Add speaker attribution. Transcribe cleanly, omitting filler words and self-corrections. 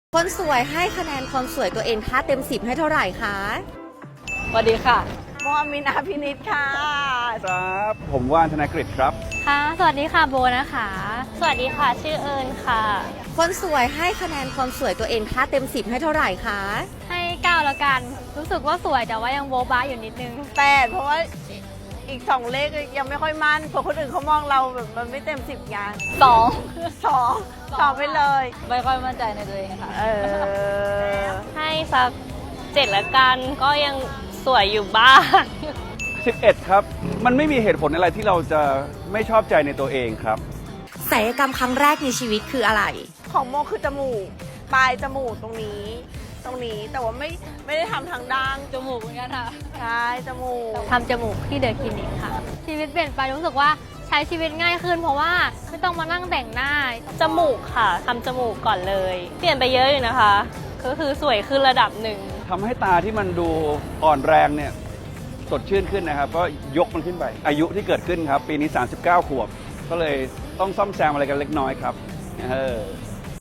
Speaker 1: คนสวยให้คะแนนความสวยตัวเองถ้าเต็ม10ให้เท่าไหร่คะ
Speaker 2: สวัสดีค่ะ
Speaker 3: โมอามินอาพินิชค่ะ
Speaker 4: ครับผมว่านธนกฤษครับ
Speaker 5: ค่ะ สวัสดีค่ะโบนะคะ สวัสดีค่ะ ชื่อเอิญค่ะ
Speaker 1: คนสวยให้คะแนนความสวยตัวเองถ้าเต็ม10ให้เท่าไหร่คะ
Speaker 5: ให้9แล้วกัน รู้สึกว่าสวยแต่ว่ายังโบ๊ะบ้าอยู่นิดนึง
Speaker 3: 8เพราะว่าอีก2เลขยังไม่ค่อยมั่นเพราะคนอื่นเขามองเราแบบมันไม่เต็ม10ไง 2ไปเลย
Speaker 2: ไม่ค่อยมั่นใจในตัวเองค่ะ
Speaker 5: ให้สัก7แล้วกัน ก็ยังสวยอยู่บ้าง
Speaker 4: 11 ครับ มันไม่มีเหตุผลอะไรที่เราจะไม่ชอบใจในตัวเองครับ
Speaker 1: ศัลยกรรมครั้งแรกในชีวิตคืออะไร
Speaker 3: ของโมคือจมูกปลายจมูกตรงนี้แต่ว่าไม่ได้ทำทางด้าน
Speaker 5: จมูกเหมือนกันค่ะ
Speaker 3: ใช่จมูก
Speaker 5: ทำจมูกที่เดอะคลินิกค่ะ ชีวิตเปลี่ยนไปรู้สึกว่าใช้ชีวิตง่ายขึ้นเพราะว่าไม่ต้องมานั่งแต่งหน้า จมูกค่ะทำจมูกก่อนเลย เปลี่ยนไปเยอะอยู่นะคะ ก็คือสวยขึ้นระดับหนึ่ง
Speaker 4: ทำให้ตาที่มันดูอ่อนแรงเนี่ยสดชื่นขึ้นนะครับ ก็ยกมันขึ้นไป อายุที่เกิดขึ้นครับ ปีนี้ 39 ขวบ ก็เลยต้องซ่อมแซมอะไรกันเล็กน้อยครับ